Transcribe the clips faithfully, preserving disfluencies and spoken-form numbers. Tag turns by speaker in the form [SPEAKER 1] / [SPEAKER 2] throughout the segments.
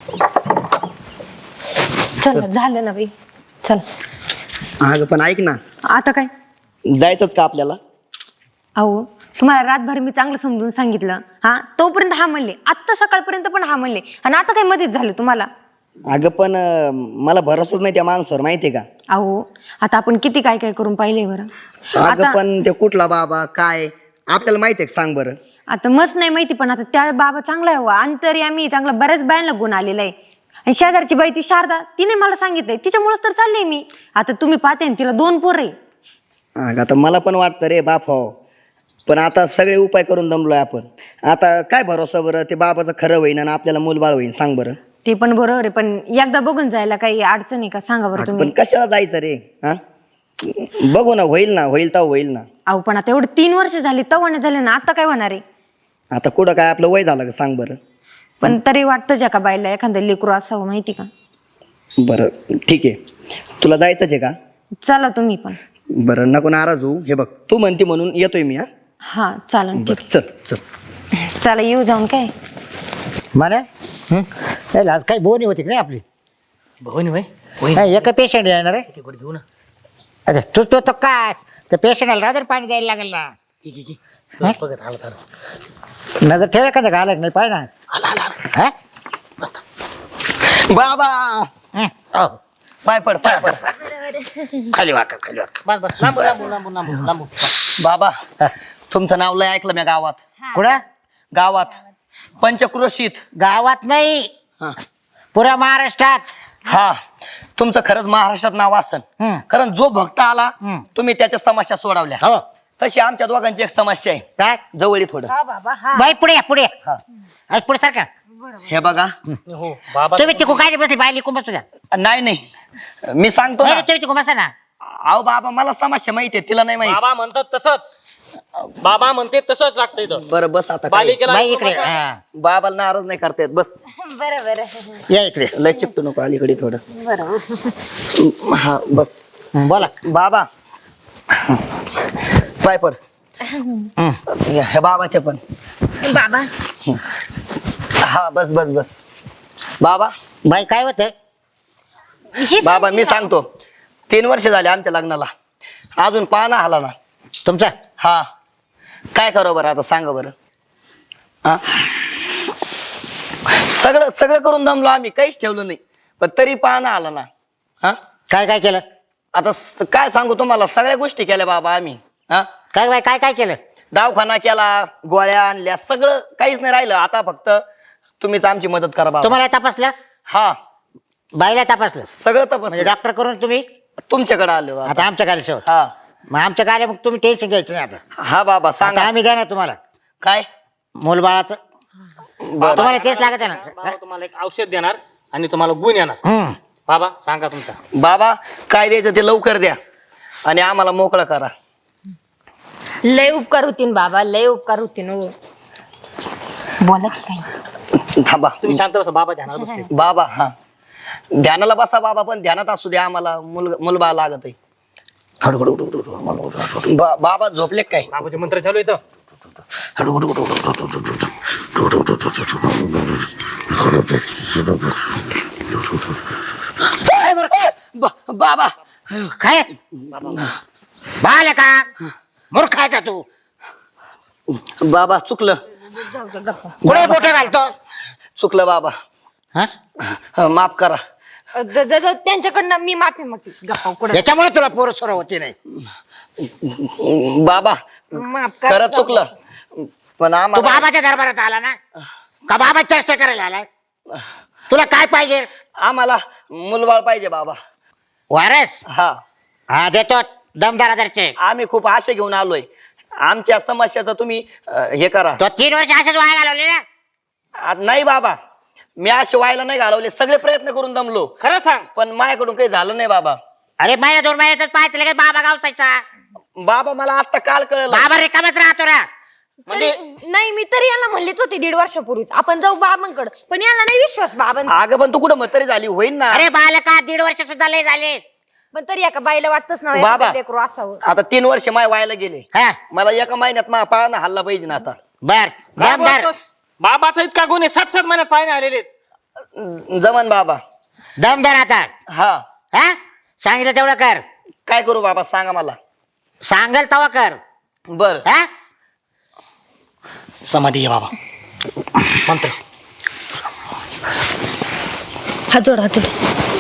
[SPEAKER 1] चल झालं ना बाई, चल.
[SPEAKER 2] अगं पण ऐक ना,
[SPEAKER 1] आता काय?
[SPEAKER 2] जायचंच का आपल्याला?
[SPEAKER 1] अहो तुम्हाला रातभर मी चांगलं समजून सांगितलं, हा तोपर्यंत हा म्हणले, आत्ता सकाळपर्यंत पण हा म्हणले, आणि आता काय मध्येच झालं तुम्हाला?
[SPEAKER 2] अगं पण अं, मला भरोसाच नाही त्या माणसावर, माहितीये का?
[SPEAKER 1] अहो आता आपण किती काय काय करून पाहिले बरं.
[SPEAKER 2] अगं
[SPEAKER 1] आता
[SPEAKER 2] पण ते कुठला बाबा काय आपल्याला माहितीये का, सांग बरं.
[SPEAKER 1] आता मस्त नाही माहिती, पण आता त्या बाबा चांगला आहे, अंतरी आम्ही चांगला बऱ्याच बायांना गुण आलेला आहे. आणि शेजारची बाई ती शारदा, तिने मला सांगितलंय, तिच्यामुळेच तर चालले मी. आता तुम्ही पाहते ना, तिला दोन पोरं आहे.
[SPEAKER 2] अगं आता मला पण वाटतं रे बाप हो, पण आता सगळे उपाय करून दमलोय आपण. आता काय भरोसा बरं, ते बाबाचं खरं होईन आणि आपल्याला मूलबाळ होईन, सांग बरं.
[SPEAKER 1] ते पण बरोबर आहे, पण एकदा बघून जायला काही अडचण आहे का, सांगा बरं
[SPEAKER 2] अगं
[SPEAKER 1] तुम्ही.
[SPEAKER 2] पण कशाला जायचं रे? हा बघू ना, होईल ना, होईल तर होईल ना.
[SPEAKER 1] अहो पण आता एवढे तीन वर्ष झाली, तवाने झाले ना, आता काय होणार आहे?
[SPEAKER 2] आता कुठं काय आपलं वय झालं का, सांग बरं.
[SPEAKER 1] पण तरी वाटतं ज्या का बाईला एखादं लेकरू असावं, माहिती का?
[SPEAKER 2] बरं ठीक आहे, तुला जायचंच आहे का?
[SPEAKER 1] चला तुम्ही पण.
[SPEAKER 2] बरं नको नाराज होऊ, हे बघ तू म्हणती म्हणून येतोय मी. हा
[SPEAKER 1] हा चालन, ठीक.
[SPEAKER 2] बरं चल चल.
[SPEAKER 1] चला येऊ जाऊन काय.
[SPEAKER 3] मला आज काही बोनी होती की नाही आपली?
[SPEAKER 4] भवनी भाई
[SPEAKER 3] नाही, एका पेशंट येणार आहे.
[SPEAKER 4] घेऊ ना.
[SPEAKER 3] अरे तू तो तो काय त्या पेशंटला रात्र पाणी द्यायला लागेल ना.
[SPEAKER 4] ठीक आहे, ठीक आहे. बघत आला तर
[SPEAKER 3] नजर ठेवा का घालत नाही पाहिजे ना.
[SPEAKER 4] आला आला आला.
[SPEAKER 3] हा?
[SPEAKER 2] बाबा
[SPEAKER 3] हं, हो.
[SPEAKER 2] पाय पड पाय पड.
[SPEAKER 3] खाली वाका खाली वाका.
[SPEAKER 4] बस बस लांबू लांबू लांबू लांबू लांबू.
[SPEAKER 2] बाबा
[SPEAKER 3] हा.
[SPEAKER 2] तुमचं नाव लय ऐकलं मी गावात.
[SPEAKER 3] कुठं?
[SPEAKER 2] गावात पंचक्रोशीत.
[SPEAKER 3] गावात नाही,
[SPEAKER 2] हा.
[SPEAKER 3] पुऱ्या महाराष्ट्रात.
[SPEAKER 2] हा तुमचं खरंच महाराष्ट्रात नाव असन.
[SPEAKER 3] हं.
[SPEAKER 2] कारण जो भक्त आला
[SPEAKER 3] हं.
[SPEAKER 2] तुम्ही त्याच्या समस्या सोडवल्या.
[SPEAKER 3] हो.
[SPEAKER 2] तशी आमच्या दोघांची एक समस्या आहे,
[SPEAKER 3] काय?
[SPEAKER 2] जवळ थोडं.
[SPEAKER 1] हा बाबा हा.
[SPEAKER 3] बाई पुढे या, पुढे या.
[SPEAKER 2] हा.
[SPEAKER 3] आज पुढे सारखा.
[SPEAKER 2] हे बघा,
[SPEAKER 4] हो बाबा.
[SPEAKER 3] तुम्ही तिकू काय बसली बाई लिकून बसू द्या.
[SPEAKER 2] नाही नाही मी सांगतो
[SPEAKER 3] नाही
[SPEAKER 2] ना.
[SPEAKER 3] रे, तुम्ही तिकू बसा ना.
[SPEAKER 2] अहो बाबा मला समस्या माहिती आहे, तिला नाही माहिती.
[SPEAKER 4] बाबा म्हणतात तसंच. बाबा म्हणते तसंच लागतं इथं.
[SPEAKER 2] बरं बस आता काय.
[SPEAKER 4] बालिकेला
[SPEAKER 3] बाई इकडे. हा.
[SPEAKER 2] बाबाला नाराज नाही करता येत, बस.
[SPEAKER 1] बरं बरं
[SPEAKER 3] या इकडे.
[SPEAKER 2] लय चिपटू नको अलीकडे थोडं.
[SPEAKER 1] बरं.
[SPEAKER 2] हा बस.
[SPEAKER 3] हं, बोला.
[SPEAKER 2] बाबा पाय पड.
[SPEAKER 3] हं.
[SPEAKER 2] हे बाबाचे पण.
[SPEAKER 1] बाबा
[SPEAKER 2] हा बस बस बस. बाबा
[SPEAKER 3] बाई काय होत?
[SPEAKER 1] हे
[SPEAKER 2] बाबा मी सांगतो, तीन वर्ष झाले आमच्या लग्नाला, अजून पाहणा आला ना.
[SPEAKER 3] तुमचा
[SPEAKER 2] हा काय करू बरं आता, सांगा बरं. हा सगळं सगळं करून दमलो आम्ही, काहीच ठेवलं नाही, पण तरी पाहणा आला ना. हा
[SPEAKER 3] काय काय केलं?
[SPEAKER 2] आता स- काय सांगू तुम्हाला, सगळ्या गोष्टी केल्या बाबा आम्ही. हा
[SPEAKER 3] काय बाई काय काय केलं?
[SPEAKER 2] दवाखाना केला, गोळ्या आणल्या, सगळं काहीच नाही राहिलं. आता फक्त तुम्हीच आमची मदत करा बाबा.
[SPEAKER 3] तुम्हाला तपासलं?
[SPEAKER 2] हा
[SPEAKER 3] बाईला तपासलं
[SPEAKER 2] सगळं
[SPEAKER 3] म्हणजे
[SPEAKER 2] तपास
[SPEAKER 3] डॉक्टर करून तुम्ही
[SPEAKER 2] तुमच्याकडे आलो आता.
[SPEAKER 3] आता आमच्या गाली शेवट.
[SPEAKER 2] हा
[SPEAKER 3] मग आमच्या गाली मग तुम्ही टेन्शन घ्यायचं नाही आता.
[SPEAKER 2] हा बाबा
[SPEAKER 3] आता
[SPEAKER 2] सांगा
[SPEAKER 3] आम्ही द्या ना तुम्हाला
[SPEAKER 2] काय.
[SPEAKER 3] मूलबाळाचं.
[SPEAKER 2] बरं.
[SPEAKER 3] तुम्हाला तेच लागत आहे ना.
[SPEAKER 4] बाबा तुम्हाला एक औषध देणार आणि तुम्हाला गुण येणार.
[SPEAKER 3] हम्म.
[SPEAKER 4] बाबा सांगा तुमचा.
[SPEAKER 2] बाबा काय द्यायचं ते लवकर द्या आणि आम्हाला मोकळं करा.
[SPEAKER 1] लय उपकार होतीन बाबा, लय उपकार होतीन. हो बोला की काही.
[SPEAKER 2] थांबा
[SPEAKER 4] तुम्ही शांत बसा. बाबा ध्यानात बसले.
[SPEAKER 2] बाबा. हा ध्यानाला बसा बाबा, पण ध्यानात असू द्या, आम्हाला मुल मुलबा लागत आहे. बा- बाबा झोपले काय?
[SPEAKER 4] बाबाचे मंत्र चालू येतं.
[SPEAKER 2] बा- बाबा
[SPEAKER 3] काय बाल का मूर्ख आहे का तू?
[SPEAKER 2] बाबा चुकलं
[SPEAKER 3] कुठे बोट घालतो?
[SPEAKER 2] चुकलं बाबा.
[SPEAKER 3] हा?
[SPEAKER 2] हा, माफ करा.
[SPEAKER 1] ज- ज- ज- त्यांच्याकडनं मी माफी मागते. गप्पा कुठं
[SPEAKER 3] याच्यामुळे तुला पोरं सोर होती नाही.
[SPEAKER 2] बाबा
[SPEAKER 1] माफ करा.
[SPEAKER 2] खरंच चुकलं, पण
[SPEAKER 3] तू
[SPEAKER 2] आम्हाला
[SPEAKER 3] बाबाच्या दरबारात आला ना का बाबा चर्चा करायला आलाय? तुला काय पाहिजे?
[SPEAKER 2] आम्हाला मुलबाळ पाहिजे बाबा.
[SPEAKER 3] वारस
[SPEAKER 2] हा
[SPEAKER 3] हा देतो दमदार आदरचे.
[SPEAKER 2] आम्ही खूप आशा घेऊन आलोय. आमच्या समस्याचं तुम्ही अं, हे करा.
[SPEAKER 3] तो तीन वर्ष असेच वाया घालवले ना.
[SPEAKER 2] आ, नाही बाबा, मी असे व्हायला नाही घालवले, सगळे प्रयत्न करून दमलो,
[SPEAKER 4] खरं सांग.
[SPEAKER 2] पण माझ्याकडून काही झालं नाही बाबा.
[SPEAKER 3] अरे महिना दोन महिन्यातच पाहायचं लगेच बाबा गावसायचा.
[SPEAKER 2] बाबा मला आता काल कळलं.
[SPEAKER 3] बाबा रिकामच राहतो ना.
[SPEAKER 4] म्हणजे
[SPEAKER 1] नाही, मी तरी यांना म्हणलीच होती दीड वर्षापूर्वीच आपण जाऊ बाबांकडे, पण यांना नाही विश्वास बाबांचा.
[SPEAKER 2] अगं पण तू कुठं म्हातारी झाली होईल ना.
[SPEAKER 3] अरे बालका दीड वर्ष सुद्धा लय झाले.
[SPEAKER 1] पण तरी एका बाईला वाटतच ना
[SPEAKER 2] बाबा.
[SPEAKER 1] एखादं लेकरू असावं.
[SPEAKER 2] आता तीन वर्ष माय व्हायला गेले,
[SPEAKER 3] हा
[SPEAKER 2] मला एका महिन्यात मा पाळणा हल्ला पाहिजे ना आता.
[SPEAKER 3] बर
[SPEAKER 4] काय
[SPEAKER 3] दमदार.
[SPEAKER 4] बोलतोस? बाबाचा इतका गुण आहे, सात सात महिन्यात पाहिजे आलेले आहेत.
[SPEAKER 2] जमन बाबा.
[SPEAKER 3] दम धर आता.
[SPEAKER 2] हा
[SPEAKER 3] हा सांगितलं तेवढं कर.
[SPEAKER 2] काय करू बाबा सांगा मला.
[SPEAKER 3] सांगल तवा कर.
[SPEAKER 2] बर
[SPEAKER 3] हा
[SPEAKER 4] समाधी आहे बाबा. मंत्र.
[SPEAKER 1] हात जोड हात जोड.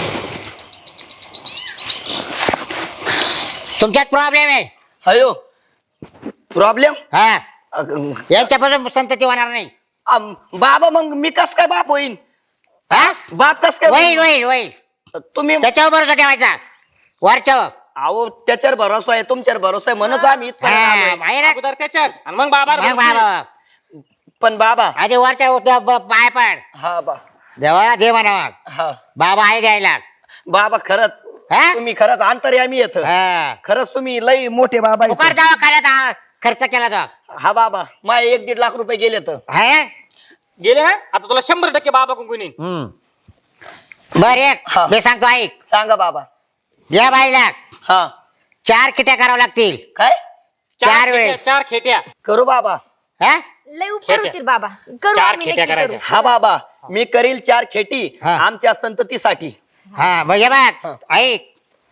[SPEAKER 3] तुमच्यात प्रॉब्लेम आहे.
[SPEAKER 2] हयो प्रॉब्लेम.
[SPEAKER 3] हा यांच्यापासून संतती होणार नाही.
[SPEAKER 2] बाबा मग मी कस काय बाप होईन.
[SPEAKER 3] हा
[SPEAKER 2] बाप कस काय
[SPEAKER 3] होईल होईल होईल.
[SPEAKER 2] तुम्ही.
[SPEAKER 3] त्याच्यावर भरोसा ठेवायचा वरच्यावर.
[SPEAKER 2] अहो त्याच्यावर भरोसा आहे तुमच्यावर भरोसा आहे म्हणून आम्ही इथपर्यंत
[SPEAKER 3] हा,
[SPEAKER 2] आलोय.
[SPEAKER 3] माहिती ना?
[SPEAKER 4] अगोदर त्याच्यात आणि मग बाबा
[SPEAKER 3] मग बाबा
[SPEAKER 2] पण बाबा.
[SPEAKER 3] आधी वरच्या ब- ब- पाय पड.
[SPEAKER 2] हा बा
[SPEAKER 3] देवाला दे म्हणा.
[SPEAKER 2] हा
[SPEAKER 3] बाबा आहे द्यायला.
[SPEAKER 2] बाबा खरंच
[SPEAKER 3] हा?
[SPEAKER 2] तुम्ही खरंच अंतर्यामी येत.
[SPEAKER 3] हा.
[SPEAKER 2] खरंच तुम्ही लई मोठे बाबा आहेत.
[SPEAKER 3] फुकट दवाखान्यात हा खर्च केला तो.
[SPEAKER 2] हा बाबा माय एक दीड लाख रुपये गेले तर.
[SPEAKER 3] हा?
[SPEAKER 4] गेले ना आता तुला शंभर टक्के बाबा कुंकुनी.
[SPEAKER 3] हम्म. बर एक
[SPEAKER 2] हा.
[SPEAKER 3] मी सांगतो ऐक.
[SPEAKER 2] सांगा बाबा.
[SPEAKER 3] या बाईला
[SPEAKER 2] हा
[SPEAKER 3] चार किट्या करावं लागतील.
[SPEAKER 2] काय
[SPEAKER 3] चार
[SPEAKER 4] खेट्या,
[SPEAKER 3] वेळेस.
[SPEAKER 4] चार खेट्या.
[SPEAKER 2] करू बाबा.
[SPEAKER 3] हा?
[SPEAKER 1] लय उपकार
[SPEAKER 4] खेट्या.
[SPEAKER 1] होतील बाबा. करू
[SPEAKER 4] चार
[SPEAKER 1] आम्ही
[SPEAKER 4] खेट्या
[SPEAKER 1] नक्की
[SPEAKER 4] करायच्या.
[SPEAKER 1] करू.
[SPEAKER 2] हा बाबा मी करील चार खेटी
[SPEAKER 3] हा.
[SPEAKER 2] आमच्या संततीसाठी.
[SPEAKER 3] हा मग हे
[SPEAKER 2] हा.
[SPEAKER 3] बघ ऐक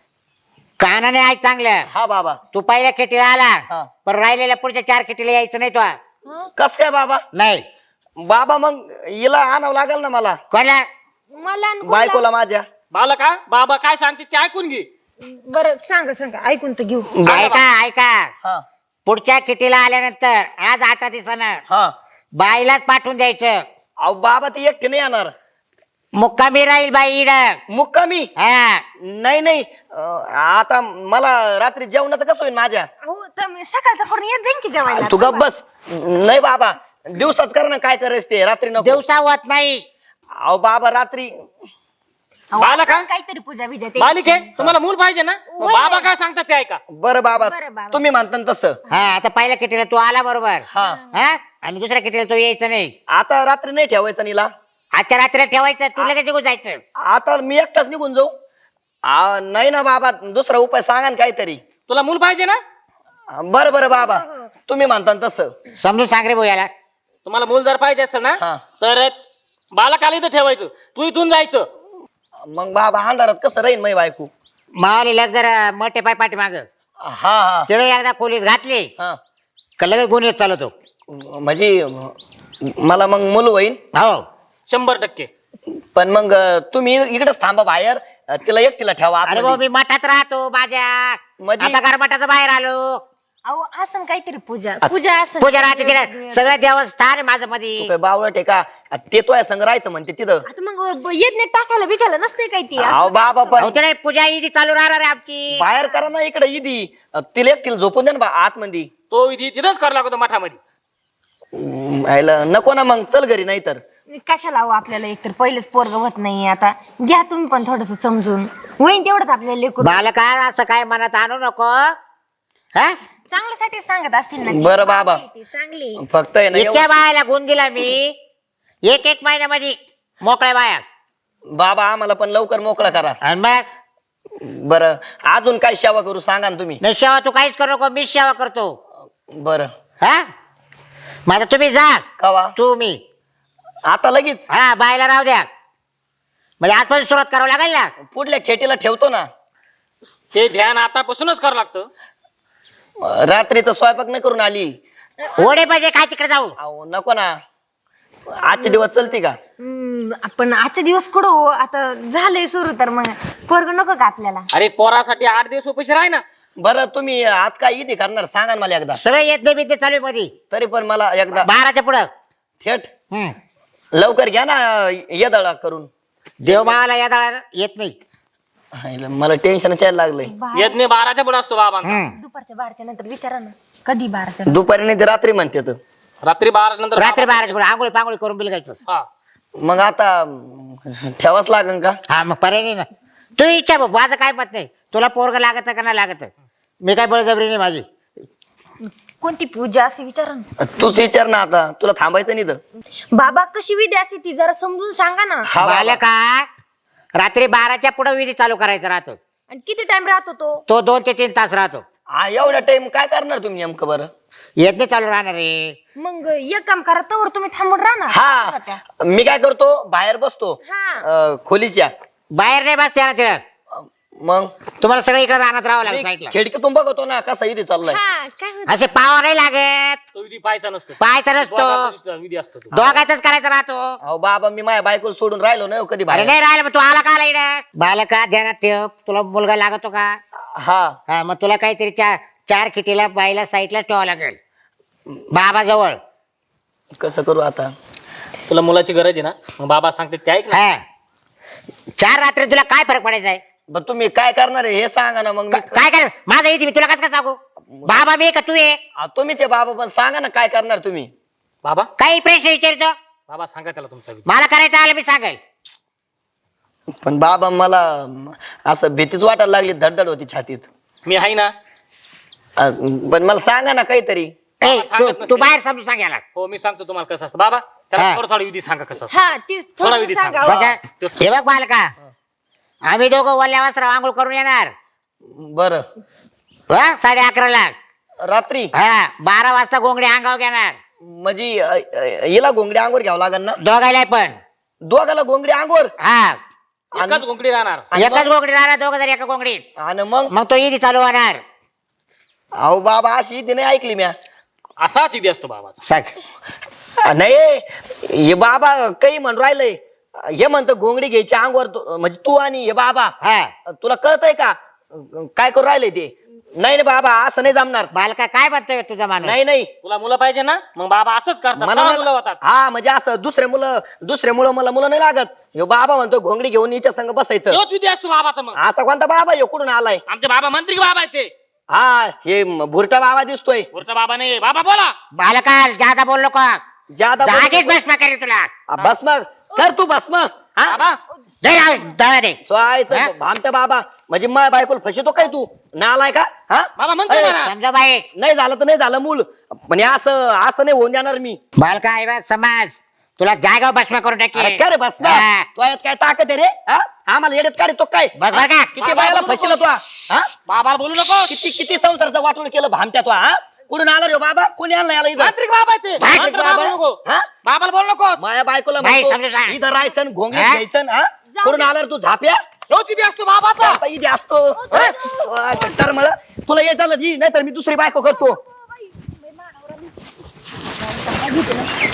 [SPEAKER 3] कानाने ऐक चांगलं.
[SPEAKER 2] हा बाबा.
[SPEAKER 3] तू पहिल्या खेटीला आला
[SPEAKER 2] हा.
[SPEAKER 3] पण राहिलेल्या पुढच्या चार खेटीला यायचं नाही तो.
[SPEAKER 1] हं?
[SPEAKER 2] कस काय बाबा.
[SPEAKER 3] नाही
[SPEAKER 2] बाबा मग हिला आणावं लागेल ना मला.
[SPEAKER 3] कोणला
[SPEAKER 1] मला आणि कोणाला?
[SPEAKER 2] बायकोला माझ्या.
[SPEAKER 4] बालका बाबा काय सांगते ते ऐकून घे.
[SPEAKER 1] बरं सांगा सांगा ऐकून तर घेऊ.
[SPEAKER 3] ऐका ऐका
[SPEAKER 2] हा
[SPEAKER 3] पुढच्या किटीला आल्यानंतर आज आठ दिवसानं
[SPEAKER 2] हा.
[SPEAKER 3] बाईलाच पाठवून द्यायचं.
[SPEAKER 2] अहो बाबा ती एकटी नाही येणार.
[SPEAKER 3] मुक्कामी राहील बाई इड.
[SPEAKER 2] मुक्कामी.
[SPEAKER 3] हा
[SPEAKER 2] नाही नाही अं, आता मला रात्री जेवणाचं कसं होईल माझ्या.
[SPEAKER 1] अहो तर मी सकाळचा करून येत जाईन की जेवायला.
[SPEAKER 2] तू गप बस. नाही बाबा दिवसाच कर ना काय करायचं ते रात्री नको.
[SPEAKER 3] दिवसा होत नाही.
[SPEAKER 2] अहो बाबा रात्री.
[SPEAKER 1] अहो,
[SPEAKER 4] बालका?
[SPEAKER 1] असं काहीतरी पूजा बिजा ते.
[SPEAKER 4] बालिके तुम्हाला मूल पाहिजे ना मग
[SPEAKER 1] वय.
[SPEAKER 4] बाबा काय सांगतात ते ऐका.
[SPEAKER 2] बरं बाबा
[SPEAKER 1] बरं बाबा.
[SPEAKER 2] तुम्ही म्हणता ना तसं.
[SPEAKER 3] हा आता पहिल्या किटीला तू आला बरोबर.
[SPEAKER 2] हा
[SPEAKER 3] हा आणि दुसऱ्या किटीला तू यायचं नाही.
[SPEAKER 2] आता रात्री नाही ठेवायचं नीला.
[SPEAKER 3] आजच्या रात्रीला ठेवायचं तू लगेच निघून जायचं.
[SPEAKER 2] आता मी एकटाच निघून जाऊ. आ, नाही ना बाबा दुसरा उपाय सांगा ना काहीतरी.
[SPEAKER 4] तुला मूल पाहिजे ना
[SPEAKER 2] बरं बरं बाबा तुम्ही म्हणता ना तसं.
[SPEAKER 3] समजून सांग रे भाऊ याला.
[SPEAKER 4] तुम्हाला मूल जर पाहिजे असेल ना
[SPEAKER 2] हा.
[SPEAKER 4] तर बालकाला इथं ठेवायचं तू इथून जायचं.
[SPEAKER 2] मग बाबा अंधारात कसं राहीन मै बायको.
[SPEAKER 3] मावलीला जर मोठे पाय पाठी माग
[SPEAKER 2] हा हा
[SPEAKER 3] तिळे एकदा खोलीत घातली
[SPEAKER 2] हा.
[SPEAKER 3] का लगेच गुन्हे चालवतो.
[SPEAKER 2] म्हणजे मला मग मूल होईन.
[SPEAKER 3] हो
[SPEAKER 4] शंभर टक्के.
[SPEAKER 2] पण मग तुम्ही इकडेच थांबा बाहेर. तिला एकटीला ठेवा
[SPEAKER 3] अरे भाऊ
[SPEAKER 2] आतमध्ये.
[SPEAKER 3] मी मठात राहतो माझ्या.
[SPEAKER 2] म्हणजे?
[SPEAKER 3] आता गरमठाचं बाहेर आलो.
[SPEAKER 1] अहो असं काहीतरी पूजा पूजा असं
[SPEAKER 3] पूजा राहते तिला सगळं देवस्थान आहे माझं
[SPEAKER 2] तू
[SPEAKER 3] मध्ये.
[SPEAKER 2] काय बावळट आहे का. ते तो संग राहायचं म्हणते तिथं.
[SPEAKER 1] आता मग येत नाही टाकायला बिकायला नसते काही ती.
[SPEAKER 2] अहो बाबा पण
[SPEAKER 3] अहो, तिला पूजा इथे चालू राहणार आहे आमची.
[SPEAKER 2] बाहेर करा ना इकडे इदी. तिला एकटीला झोपून दे ना बा आतमध्ये.
[SPEAKER 4] तो विधी तिथंच करावा लागतो मठामध्ये.
[SPEAKER 2] हम्म, यायला नको ना मग चल घरी नाही तर.
[SPEAKER 1] कशाला हवं आपल्याला एकतर पहिलेच पोरग होत नाही. आता घ्या तुम्ही पण थोडस समजून होईन तेवढंच आपल्याला लेकरू.
[SPEAKER 3] बालका असं काय मनात आणू नको. हा
[SPEAKER 1] चांगल्यासाठी सांगत असतील ना.
[SPEAKER 2] बरं बाबा.
[SPEAKER 1] ती चांगली.
[SPEAKER 2] फक्त आहे ना
[SPEAKER 3] इतक्या
[SPEAKER 2] एवढं-
[SPEAKER 3] बायाला गुण दिला मी एक एक महिन्यामध्ये मोकळ्या बाया.
[SPEAKER 2] बाबा आम्हाला पण लवकर मोकळा करा.
[SPEAKER 3] आणि मग
[SPEAKER 2] बरं अजून काय सेवा करू सांगा ना तुम्ही.
[SPEAKER 3] नाही सेवा तू काहीच करू नको मीच सेवा करतो.
[SPEAKER 2] बरं
[SPEAKER 3] हा माझा तुम्ही जा
[SPEAKER 2] कवा
[SPEAKER 3] तू मी.
[SPEAKER 2] आता लगेच
[SPEAKER 3] हा बायला राहू द्या म्हणजे आजपासून सुरुवात करावं लागेल ना.
[SPEAKER 2] पुढल्या खेटीला ठेवतो ना.
[SPEAKER 4] ते ध्यान आतापासूनच करावं लागतं.
[SPEAKER 2] रात्रीचा स्वयंपाक नाही करून आली.
[SPEAKER 3] ओढे पाहिजे काय तिकडे जाऊ.
[SPEAKER 2] अहो नको ना. आजचे दिवस चलते का.
[SPEAKER 1] हम्म, आपण आजचे दिवस कुठं हो आता झालंय सुरू तर मग पोरग नको का आपल्याला.
[SPEAKER 4] अरे पोरासाठी आठ दिवस उपाशी राह ना.
[SPEAKER 2] बरं तुम्ही आज काय इथे करणार सांगा ना मला एकदा.
[SPEAKER 3] सगळं येत नाही बिद्ये चालू आहे मध्ये
[SPEAKER 2] तरी पण मला एकदा
[SPEAKER 3] बाराच्या पुढं.
[SPEAKER 2] थेट
[SPEAKER 3] हम्म.
[SPEAKER 2] लवकर घ्या ना येदळा करून.
[SPEAKER 3] देव मावाला या दळा येत नाही.
[SPEAKER 2] हायला, मला टेन्शन यायला लागलंय.
[SPEAKER 1] बाहेर
[SPEAKER 4] येत नाही बाराच्या पुढे असतो बाबा.
[SPEAKER 3] हम्म.
[SPEAKER 1] दुपारच्या बाराच्या नंतर विचारा ना कधी बाराच्या.
[SPEAKER 2] दुपारी नाही ते रात्री म्हणते तर.
[SPEAKER 4] रात्री बारा नंतर
[SPEAKER 3] रात्री बाराच्या पुढे आंघोळी पांघोळी करून बिलगायचं.
[SPEAKER 4] हा.
[SPEAKER 2] मग आता अं, ठेवाच लागेल का.
[SPEAKER 3] हा मग पर्याय नाही ना. तू इच्छा बघ माझं काय मत नाही. तुला पोरग लागत का नाही लागत मी काय बळजबरी नाही माझी.
[SPEAKER 1] कोणती पूजा असे विचारा ना.
[SPEAKER 2] तूच विचार ना आता तुला थांबायचं नाही तर.
[SPEAKER 1] बाबा कशी विधी असते ती जरा समजून सांगा ना.
[SPEAKER 2] हा बाबा.
[SPEAKER 3] बालक का रात्री बाराच्या पुढे विधी चालू करायचा राहतो.
[SPEAKER 1] आणि किती टाइम राहतो तो.
[SPEAKER 3] तो दोन ते तीन तास राहतो.
[SPEAKER 2] हा एवढा टाइम काय करणार तुम्ही नेमकं बरं.
[SPEAKER 3] येत नाही चालू राहणार रे.
[SPEAKER 1] मग एक काम करा तवर तुम्ही थांबून राहा ना.
[SPEAKER 2] हा मी काय करतो बाहेर बसतो
[SPEAKER 1] हा.
[SPEAKER 2] अं, खोलीच्या.
[SPEAKER 3] बाहेर नाही बस ना तिला.
[SPEAKER 2] मग
[SPEAKER 3] तुम्हाला सगळं इकडे राहण्यात राहावं लागेल
[SPEAKER 2] मी
[SPEAKER 3] साईडला.
[SPEAKER 2] खिडकीतून बघतो ना कसा इथे चाललाय.
[SPEAKER 1] हा, काय होतं?
[SPEAKER 3] असे पाव नाही लागत.
[SPEAKER 4] तो विधी पाहायचा नसतो.
[SPEAKER 3] पाहायचा नसतो.
[SPEAKER 4] दोघांचा विधी असतो तो.
[SPEAKER 3] दोघांचाच करायचा राहतो.
[SPEAKER 2] अहो बाबा मी माझ्या बायकोला सोडून राहिलो नाही हो कधी
[SPEAKER 3] अरे
[SPEAKER 2] बाहेर.
[SPEAKER 3] नाही राहिलं मग तू आला का इकडे. बालका ध्यानात ठेव, तुला मुलगा लागतो का.
[SPEAKER 2] हा
[SPEAKER 3] हा मग तुला काहीतरी चार चार खिटीला बाईला साईडला ठेवावं लागेल बाबा जवळ.
[SPEAKER 2] कसं करू आता.
[SPEAKER 4] तुला मुलाची गरज आहे ना मग बाबा सांगते ते ऐक ना.
[SPEAKER 3] हा चार रात्री तुला काय फरक पडायचा आहे.
[SPEAKER 2] पण तुम्ही काय करणार आहे हे सांगा ना मग मी.
[SPEAKER 3] का- काय कर माझं येते मी तुला कसं काय सांगू. बाबा मी का तू आहे.
[SPEAKER 2] आ, तुम्हीच आहे बाबा पण सांगा ना काय करणार तुम्ही.
[SPEAKER 4] बाबा
[SPEAKER 3] काही प्रश्न विचारतो
[SPEAKER 4] बाबा सांगा त्याला तुमचा विधी.
[SPEAKER 3] मला करायचं आलं मी सांगेल.
[SPEAKER 2] पण बाबा मला असं भीतीच वाटायला लागली धडधड होती छातीत.
[SPEAKER 4] मी आहे ना.
[SPEAKER 2] आ, पण मला सांगा ना काहीतरी.
[SPEAKER 3] ए,
[SPEAKER 4] बाबा सांगत
[SPEAKER 3] तू
[SPEAKER 4] नसते.
[SPEAKER 3] तू बाहेर समजून सांग याला.
[SPEAKER 4] हो मी सांगतो तुम्हाला कसं असतं बाबा त्याला
[SPEAKER 3] हा.
[SPEAKER 4] थोडं थोडं विधी सांगा कसं असतं.
[SPEAKER 1] हा तीच
[SPEAKER 4] थोडा
[SPEAKER 1] थोडं
[SPEAKER 4] विधी
[SPEAKER 1] सांगा.
[SPEAKER 4] सांगा.
[SPEAKER 3] बघा, हे बघ बालका आम्ही दोघं वल्ल्या वस्त्रावर आंघोळ करून येणार
[SPEAKER 2] बर
[SPEAKER 3] हा, साडे अकराला.
[SPEAKER 2] रात्री
[SPEAKER 3] हा बारा वाजता गोंगडी अंगावर घेणार
[SPEAKER 2] म्हणजे अ, अ, हिला घोंगडी अंगोर घ्यावं लागेल ना.
[SPEAKER 3] दोघायला पण.
[SPEAKER 2] दोघाला घोंगडी अंगोर.
[SPEAKER 3] हा
[SPEAKER 4] एकाच घोंगडी राहणार.
[SPEAKER 2] आणि
[SPEAKER 3] एकच गोंगडी राहणार दोघं जर एका गोंगडीत.
[SPEAKER 2] आणि मग
[SPEAKER 3] मग तो ईदी चालू होणार.
[SPEAKER 2] अहो बाबा अशी इथे नाही ऐकली म्या.
[SPEAKER 4] असाच विधी असतो बाबाचा.
[SPEAKER 3] सांग.
[SPEAKER 2] नाही हे बाबा काही म्हणून राहिलंय. हे म्हणतो घोंगडी घ्यायची अंगवर तू- म्हणजे तू आणि हे बाबा.
[SPEAKER 3] हा
[SPEAKER 2] तुला कळतंय का काय करू राहिलंय ते. नाही नाही बाबा असं नाही जमणार.
[SPEAKER 3] बालका काय म्हणतोय तुझा माणूस.
[SPEAKER 2] नाही नाही
[SPEAKER 4] तुला मुलं पाहिजे ना मग बाबा असंच करतात.
[SPEAKER 2] मला
[SPEAKER 4] तेव्हा
[SPEAKER 2] नाही-
[SPEAKER 4] मुलं होतात.
[SPEAKER 2] हा म्हणजे असं दुसरे मुलं दुसरे मुलं मला मुलं नाही लागत. ह्यो बाबा म्हणतो घोंगडी घेऊन हिच्या संग बसायचं.
[SPEAKER 4] तोच विधी असतो बाबाचा. मग
[SPEAKER 2] असा कोणता बाबा ह्यो कुठून आलाय.
[SPEAKER 4] आमचे बाबा मंत्री बाबा आहेत ते.
[SPEAKER 2] हा हे म- भुरटा बाबा दिसतोय.
[SPEAKER 4] वरचा बाबा नाही. बाबा बोला.
[SPEAKER 3] बालका जादा बोल नको.
[SPEAKER 2] ज्यादा
[SPEAKER 3] जागीच भस्म करेल तुला.
[SPEAKER 2] भस्म कर तू भस्म. हा
[SPEAKER 4] बाबा
[SPEAKER 3] जय राव, दळा दे.
[SPEAKER 2] चोळायचं भामट्या बाबा म्हणजे माय बायकोला फसतो काय तू नालाय का. हा
[SPEAKER 4] बाबा म्हणतो
[SPEAKER 2] अरे,
[SPEAKER 4] ना.
[SPEAKER 3] समजा बाई.
[SPEAKER 2] नाही झालं तर नाही झालं मूल पण हे असं असं नाही होऊन देणार मी.
[SPEAKER 3] बालका आहे बघ समाज तुला जागा भस्म करून
[SPEAKER 2] अरे
[SPEAKER 3] टाकेल.
[SPEAKER 2] काय रे भस्म
[SPEAKER 3] हा.
[SPEAKER 2] तो यात काय ताकद आहे रे. हा आम्हाला येड्यात काढतो काय.
[SPEAKER 3] बघ बघा.
[SPEAKER 2] किती बायाला फसला तू. हा
[SPEAKER 4] बाबाला बोलू नको.
[SPEAKER 2] किती किती संसारचं वाटून केलं भामट्या तू. हा कुठून आला रे बाबा कोणी आणला याला इथं.
[SPEAKER 4] तांत्रिक बाबा आहेत ते.
[SPEAKER 3] तांत्रिक
[SPEAKER 4] मंत्र
[SPEAKER 2] बाबा?
[SPEAKER 4] बाबा नको.
[SPEAKER 2] हा?
[SPEAKER 4] बाबाला बोलू नको.
[SPEAKER 2] माया बायकोला
[SPEAKER 3] बाई,
[SPEAKER 2] म्हणतो,
[SPEAKER 3] समजून सांग.
[SPEAKER 2] इथं राहायचं आणि घोंगडीत
[SPEAKER 3] हा?
[SPEAKER 2] घ्यायचं. हा कुठून आला रे तू झाप्या.
[SPEAKER 4] तोच विधी असतो बाबाचा.
[SPEAKER 2] आता इथे असतो. हा? तर मला तुला ये झालं नाही तर मी दुसरी बायको करतो.